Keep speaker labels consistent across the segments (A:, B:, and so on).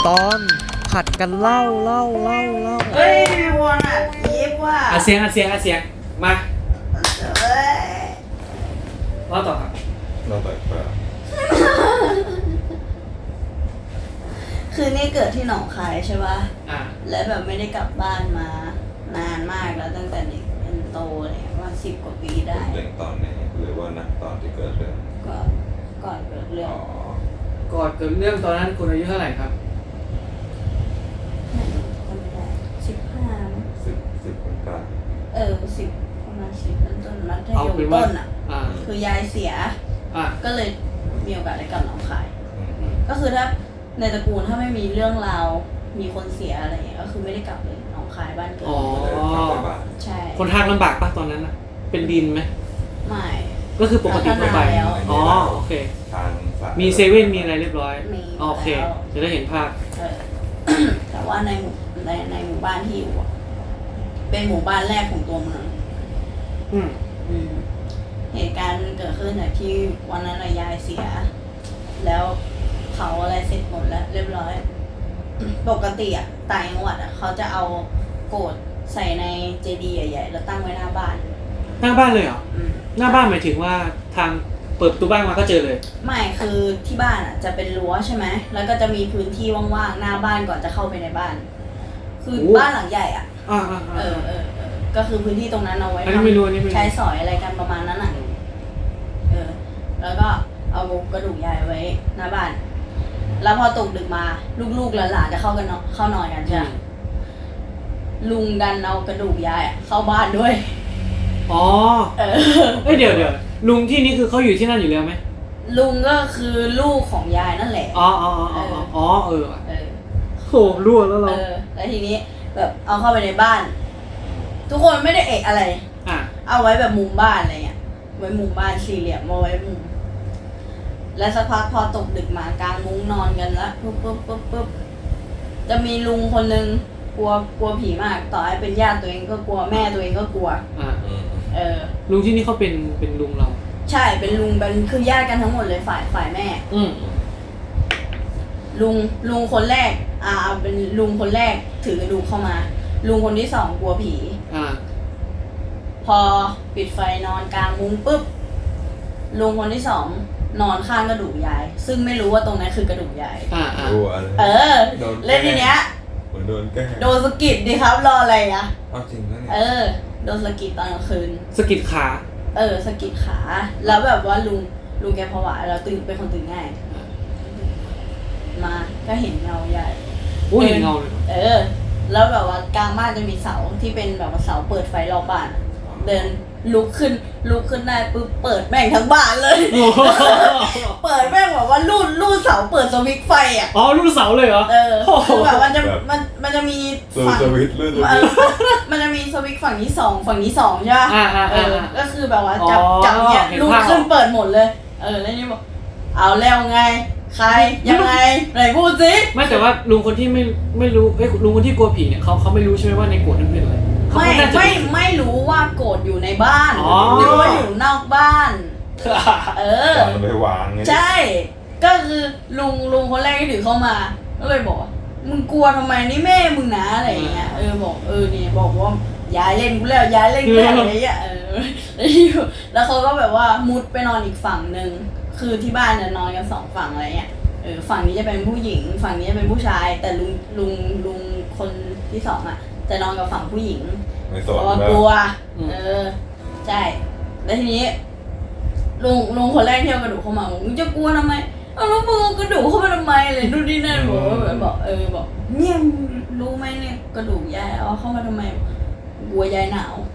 A: ตอนผัดกันเล่า
B: เฮ้ยวันอ่ะยิบว่า
C: เสียงมา
B: เฮ้ย
C: เล่าต่อครับ
D: เราต่อยปลา
B: คือนี่เกิดที่หนองคายใช่ป่ะ
C: แล้ว
B: แบบไม่ได้กลับบ้านมานานมากแล้วตั้งแต่เด็กจนโตเลยว่า10 กว่าปีได้
D: เรื่องตอนนี้หรือว่านักตอนที่เกิดเรื่อง
B: ก่อนเกิดเรื่อง
C: ก่อนเกิดเรื่องตอนนั้นคุณอายุเท่าไหร่ครับ
D: 10คนกลาง
B: 10ประมาณ10ต้นมัธยมต้นอ่ะคือยายเสียก็เลยมีโอกาสได้กลับหนองคายก็คือถ้าในตระกูลถ้าไม่มีเรื่องราวมีคนเสียอะไรเงี้ยก็คือไม่ได้กลับเลยหนองคายบ้านเกิดใช่
C: คนทางลำบากปะตอนนั้นนะเป็นดินไหม
B: ไม่
C: ก็คือปกติทั่วไปโอเคมีเซเว่นมีอะไรเรียบร้อยโอเคจะได้เห็นภาพ
B: แต่ว่าในหมู่บ้านที่อยู่เป็นหมู่บ้านแรกของตัวเมืองเหตุการณ์เกิดขึ้นจากที่วันนั้นยายเสียแล้วเขาอะไรเสร็จหมดแล้วเรียบร้อยปกติอ่ะต่างจังหวัดอ่ะเขาจะเอาโกรธใส่ในเจดีย์ใหญ่ๆแล้วตั้งไว้หน้าบ้าน
C: เลยเหรอหน้าบ้านหมายถึงว่าทางเปิดประตูบ้านมาก็เจอเลย
B: ไม่คือที่บ้านอ่ะจะเป็นรั้วใช่ไหมแล้วก็จะมีพื้นที่ว่างๆหน้าบ้านก่อนจะเข้าไปในบ้านคือบ้านหลังใหญ่อ่ะก็คือพื้นที่ตรงนั้นเอาไว้ทำใช้สอยอะไรกันประมาณนั้นอ่ะแล้วก็เอากระดูกยายไว้หน้าบ้านแล้วพอตกดึกมาลูกๆหลานๆจะเข้านอนกันใช่ไหมลุงดันเอากระดูกยายเข้าบ้านด้วย
C: เดี๋ยวลุงที่นี่คือเขาอยู่ที่นั่นอยู่แล้วไหม
B: ลุงก็คือลูกของยายนั่นแหละ
C: โหรั่วแล้วเรา
B: แล้วทีนี้แบบเอาเข้าไปในบ้านทุกคนไม่ได้เอะอะไรเอาไว้แบบมุมบ้านอะไรเงี้ยไว้มุมบ้านสี่เหลี่ยมมาไว้มุมแล้วสักพักพอตกดึกมากางมุ้งนอนกันแล้วปุ๊บจะมีลุงคนนึงกลัวผีมากต่อให้เป็นญาติตัวเองก็กลัวแม่ตัวเองก็กลัว
C: ลุงที่นี่เขาเป็นลุงเรา
B: ใช่เป็นลุงเป็นคือญาติกันทั้งหมดเลยฝ่ายแม่ลุงคนแรกเป็นลุงคนแรกถือกระดูกเข้ามาลุงคนที่2กลัวผีพอปิดไฟนอนกลางมุ้งปุ๊บลุงคนที่2นอนข้างกระดูกยายซึ่งไม่รู้ว่าตรงนั้นคือกระดูกยายเล่นทีเนี้ยโดนสะกิดดิครับรออะไรอะ
D: จริงแล้วเนี่ย
B: โดนสะกิดตอนกลางคืน
C: สะกิดขา
B: สะกิดขาแล้วแบบว่าลุงแกผวาแล้วเป็นคนตื่นง่ายมาก็เห็นเงาใหญ่
C: เห็นเงาเลย
B: แล้วแบบว่ากลางบ้านจะมีเสาที่เป็นแบบว่าเสาเปิดไฟรอบบ้านเดินลุกขึ้นได้ปุ๊บเปิดแม่งทั้งบ้านเลยเปิดแม่งแบบว่าลูดเสาเปิดสวิตช์ไฟอ่ะ
C: ลูดเสาเลยเหรอ
B: คือแบบมันจะมี
D: ฝั่งสวิตช์
B: มันจะมีสวิตช์ฝั่งนี้2ฝั่งนี้2ใช่ป่ะก็คือแบบว่าจับเนี่ยลูดขึ้นเปิดหมดเลยแล้วนี่บอกเอาแล้วไงใครยังไงไหนพูดสิ
C: ไม่แต่ว่าลุงคนที่ไม่รู้ลุงคนที่กลัวผีเนี่ยเขาไม่รู้ใช่ไหมว่าในโกรธนั้นเป็นอะไร
B: ไม่รู้ว่าโกรธอยู่ในบ้านรู้ว่าอยู่นอกบ้าน
D: มันไปวางไง
B: ใช่ก็คือลุงคนแรกที่ถือเข้ามาก็เลยบอกมึงกลัวทำไมนี่แม่มึงนะอะไรอย่างเงี้ยบอกนี่บอกว่ายายเล่นกูแล้วยายเล่นกูแล้วอะไรอย่างเงี้ยแล้วเขาก็แบบว่ามุดไปนอนอีกฝั่งนึงคือที่บ้านเนี่ยนอนกัน2ฝั่งอะไรเงี้ยฝั่งนี้จะเป็นผู้หญิงฝั่งนี้จะเป็นผู้ชายแต่ลุงคนที่2อ่ะจะนอนกับฝั่งผู้หญิงเพราะว่ากลัวใช่แล้วทีนี้ลุงคนแรกที่เอากระดูกเข้ามามึงจะกลัวทำไมเอาแล้วมึงเอากระดูกเข้ามาทำไมเลยนู่นนี่นั่นบอกเนี่ยรู้ไหมเนี่ยกระดูกยายเอาเข้ามาทำไมกลัวยายหนาว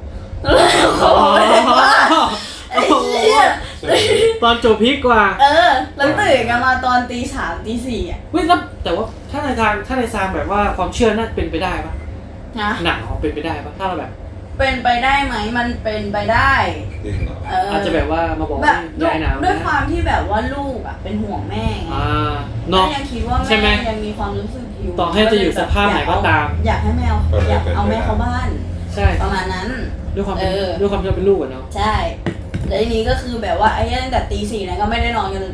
B: ไอ้เหี้ย
C: ตอนจบพีคกว่า
B: แล้วตื่นกันมาตอนตี 3 ตี 4อ่ะ
C: แต่ว่าถ้าในทางแบบว่าความเชื่อน่าเป็นไปได้ปะหนังเป็นไปได้ปะถ้าเราแบบ
B: เป็นไปได้ไหมมันเป็นไปได้
C: อาจจะแบบว่ามาบอกยายหนาว
B: ด้วยความที่แบบว่าลูกอ่ะเป็นห่วงแม่ไงก็ยังคิดว่าแม่ยังมีความรู้สึกอยู่
C: ต่อให้จะอยู่สภาพไหนก็ตาม
B: อยากให้แมวอยากเอาแม่เข้าบ้าน
C: ใช่
B: ประมาณนั้น
C: ด้วยความที่เป็นลูกอ่ะเนาะ
B: ใช่แล้วทีนี้ก็คือแบบว่าไอ้ตั้งแต่ตี 4นะก็ไม่ได้นอนกัน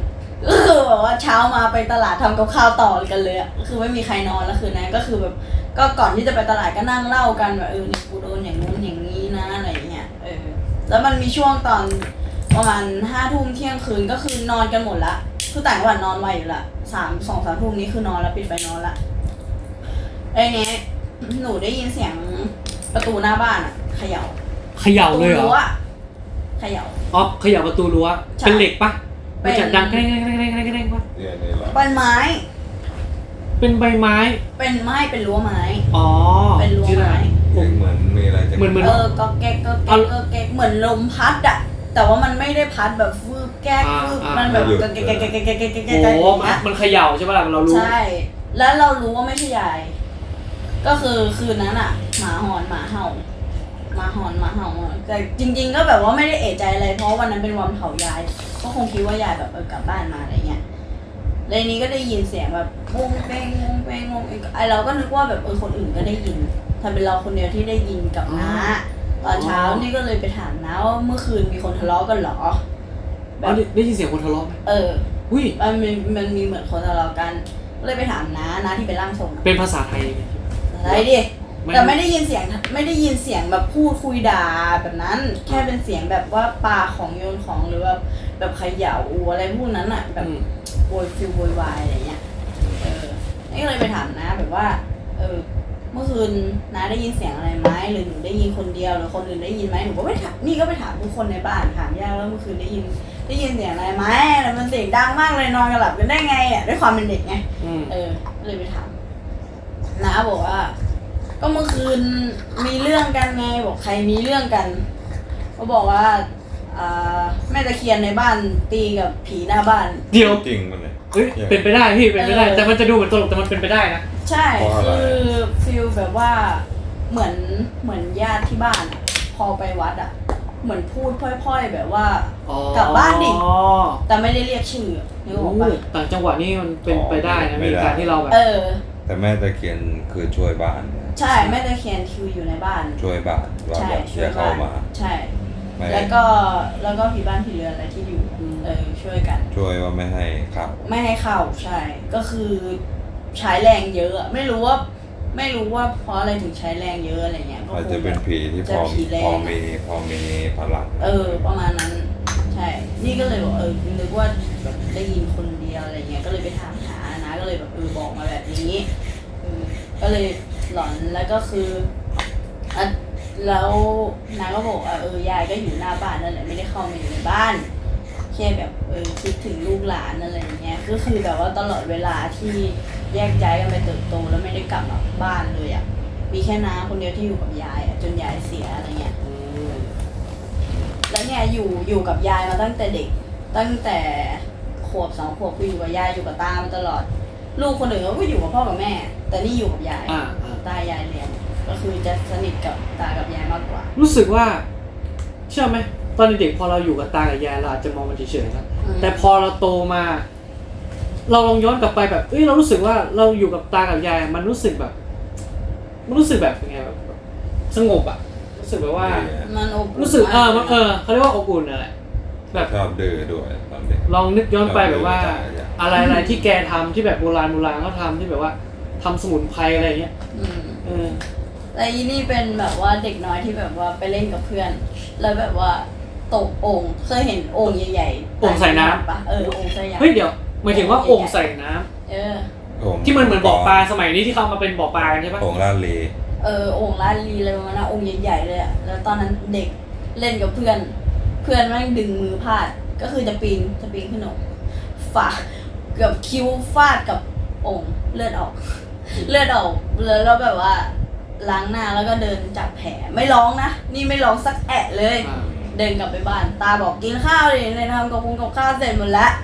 B: ก็คือแบบว่าเช้ามาไปตลาดทำกับข้าวต่อกันเลยอ่ะคือไม่มีใครนอนแล้วคืนนั้นก็คือแบบก็ก่อนที่จะไปตลาดก็นั่งเล่ากันแบบเนี่ยกูโดนอย่างนู้นอย่างนี้นะอะไรเงี้ยแล้วมันมีช่วงตอนประมาณ5 ทุ่มเที่ยงคืนก็คือนอนกันหมดละคือต่างจังหวัดนอนไวอยู่ละ2-3 ทุ่มนี้คือนอนแล้วปิดไฟนอนละไอ้เนี้ยหนูได้ยินเสียงประตูหน้าบ้านอ่ะเขย่า
C: เขย่าเลยเหรอ
B: เขย่า
C: อ๋อเขย่าประตูรั้ว
B: ใช่
C: เป็นเหล็กปะ
B: เป็
C: มัน นจะดังแกล้งปะ
D: เนี่ยนี่แหละ
B: เป็นไม้
C: เป็นใบไม้
B: เป็นรั้วไม้
C: อ๋อ
B: เป็นรั้วไม้
D: เหมือนมีอะไรจะ
C: เหมือน
B: ก็แก๊กเหมือนลมพัดอะแต่ว่ามันไม่ได้พัดแบบฟืบแก๊กฟืบมันแบบก็แก๊ก
C: โอ้มันเขย่าใช่ปะล่ะเรารู้
B: ใช่แล้วเรารู้ว่าไม่ใช่ยายก็คือคืนนั้นอะหมาหอนหมาเห่าแต่จริงๆก็แบบว่าไม่ได้เอะใจอะไรเพราะวันนั้นเป็นวันเผายายก็คงคิดว่ายายแบบกลับบ้านมาอะไรเงี้ยแล้วนี้ก็ได้ยินเสียงแบบวงเป้งไอเราก็นึกว่าแบบคนอื่นก็ได้ยินทำเป็นเราคนเดียวที่ได้ยินกับน้าตอนเช้านี่ก็เลยไปถามน้าว่าเมื่อคืนมีคนทะเลาะกันเหรอแบบ
C: ได้ยินเสียงคนทะเลาะไหม
B: อุ้ยมันมีเหมือนคนทะเลาะกันก็เลยไปถามน้าที่เป็นร่างทรง
C: เป็นภาษาไทย
B: อะไรดิแต่ไม่ได้ยินเสียงแบบพูดคุยด่าแบบนั้นแค่เป็นเสียงแบบว่าปาของโยนของหรือว่าแบบเขย่าอะไรพวกนั้นอ่ะแบบโวยวายอะไรเงี้ยนี่ก็เลยไปถามน้าแบบว่าเมื่อคืนน้าได้ยินเสียงอะไรไหมหรือหนูได้ยินคนเดียวหรือคนอื่นได้ยินไหมหนูก็ไม่ถามนี่ก็ไปถามทุกคนในบ้านถามย่าว่าเมื่อคืนได้ยินเสียงอะไรไหมแล้วมันเสียงดังมากเลยนอนกันหลับกันได้ไงอ่ะด้วยความเป็นเด็กไงก็เลยไปถามน้าบอกว่าก็เมื่อคืนมีเรื่องกันไงบอกใครมีเรื่องกันเขาบอกว่าแม่ตะเคียนในบ้านตีกับผีหน้าบ้าน
C: เดี๋ยว
D: จริงมันเลย
C: เฮ้ยเป็นไปได้พี่เป็นไปได้แต่มันจะดูเหมือนตลกแต่มันเป็นไปได้นะ
B: ใช่คือฟิลแบบว่าเหมือนญาติที่บ้านอะพอไปวัดอ่ะเหมือนพูดพล่อยๆแบบว่ากลับบ้านดิแต่ไม่ได้เรียกชื่อนึกออกปะ
C: ต่างจังหวัดนี่มันเป็นไปได้นะมีการที่เราแบบ
D: แต่แม่ตะเคียนคือช่วยบ้าน
B: ใช่แม่ตะเคียนคืออยู่ในบ้าน
D: ช่วยบ้านว่าแบบอย่าเข้ามา
B: ใช่แล้วก็ผีบ้านผีเรือนอะไรที่อยู่ช่วยกัน
D: ช่วยว่าไม่ให้เข้า
B: ใช่ก็คือใช้แรงเยอะไม่รู้ว่าเพราะอะไรถึงใช้แรงเยอะอะไรเงี้ย
D: อาจจะเป็นผีที่พอมีพลัง
B: ประมาณนั้นใช่นี่ก็เลยบอกนึกว่าแบบได้ยินคนเดียวอะไรเงี้ยก็เลยไปถามหานะก็เลยแบบบอกมาแบบนี้ก็เลยหลอนแล้วก็คือแล้วน้าก็บอกยายก็อยู่หน้าบ้านนั่นแหละไม่ได้เข้ามาอยู่ในบ้านแค่แบบคิดถึงลูกหลานอะไรอย่างเงี้ยก็คือแบบว่าตลอดเวลาที่แยกย้ายกันไปเติบโตแล้วไม่ได้กลับมาบ้านเลยอ่ะมีแค่น้าคนเดียวที่อยู่กับยายอ่ะจนยายเสียอะไรเงี้ยแล้วเนี่ยอยู่กับยายมาตั้งแต่เด็กตั้งแต่ขวบ2 ขวบคืออยู่กับยายอยู่กับตามาตลอดลูกคนอื่นก็อยู่กับพ่อกับแม่แต่นี่อยู่กับยายตายายเลี้ยงก็คือจะสนิทกับตากับยายมากกว่า
C: รู้สึกว่าเชื่อไหมตอนเด็กพอเราอยู่กับตากับยายเราอาจจะมองมันเฉยๆนะแต่พอเราโตมาเราลองย้อนกลับไปแบบเรารู้สึกว่าเราอยู่กับตากับยายมันรู้สึกแบบยังไงแบบสงบอ่ะรู้สึกแบบว่า
B: มันอบ
C: รู้สึกเขาเรียกว่าอบอุ่นอะไรแบบ
D: ชอบดื้อด้วยตอนเด็ก
C: ลองนึกย้อนไปแบบว่าอะไรที่แกทำที่แบบโบราณเขาทำที่แบบว่าทำสมุนไพรอะไรเงี้ย
B: แต่อีนี่เป็นแบบว่าเด็กน้อยที่แบบว่าไปเล่นกับเพื่อนแล้วแบบว่าตกโอ่งเคยเห็นโอ่งใหญ่
C: ๆโอ่งใส่น้ำ
B: ปะโอ่งใส่น้ำ
C: เฮ้ยเดี๋ยวหมายถึงว่าโอ่งใส่น้ำที่มันเหมือนบ่อปลาสมัยนี้ที่เขามาเป็นบ่อปลาใช่ปะ
D: โอ่งลาดลี
B: โอ่งลาดลีอะไรประมาณนั้นโอ่งใหญ่ๆเลยอ่ะแล้วตอนนั้นเด็กเล่นกับเพื่อนแม่งดึงมือพลาดก็คือจะปีนขึ้นโอ่งฝาเกือบคิ้วฟาดกับโอ่งเลือดออกแล้วแบบว่าล้างหน้าแล้วก็เดินจับแผลไม่ร้องนะนี่ไม่ร้องสักแอะเลยเดินกลับไปบ้านตาบอกกินข้าวเลยทำกับข้าวเสร็จหมดแล้ว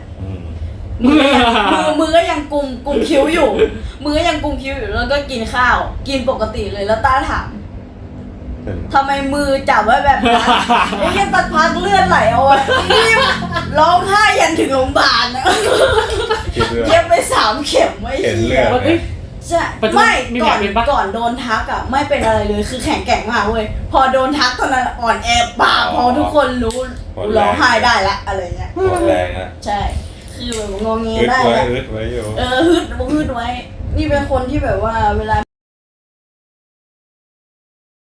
B: มือก็ยังกุมคิ้วอยู่แล้วก็กินข้าวกินปกติเลยแล้วตาถามทำไมมือจับไว้แบบนั้นไอ้แค่สักพักเลือดไหลเอาไว้ร้องไห้ยันถึงโรงพยาบาลนะเย็บไป3 เข็มไม่
D: เลือด
B: ใช่ไม่ก่อนโดนทักอ่ะไม่เป็นอะไรเลยคือแข็งแกร่งมากเว้ยพอโดนทักตอนนั้นอ่อนแอปากพอทุกคนรู้ร้องไห้ได้ละอะไรเงี้ย
D: แรงอ่ะ
B: ใช่คคือแบบงอแง
D: อึด
B: ได้
D: ไว้
B: อะ
D: อึดไว้อยู่
B: ฮึดไว้นี่เป็นคนที่แบบว่าเวลา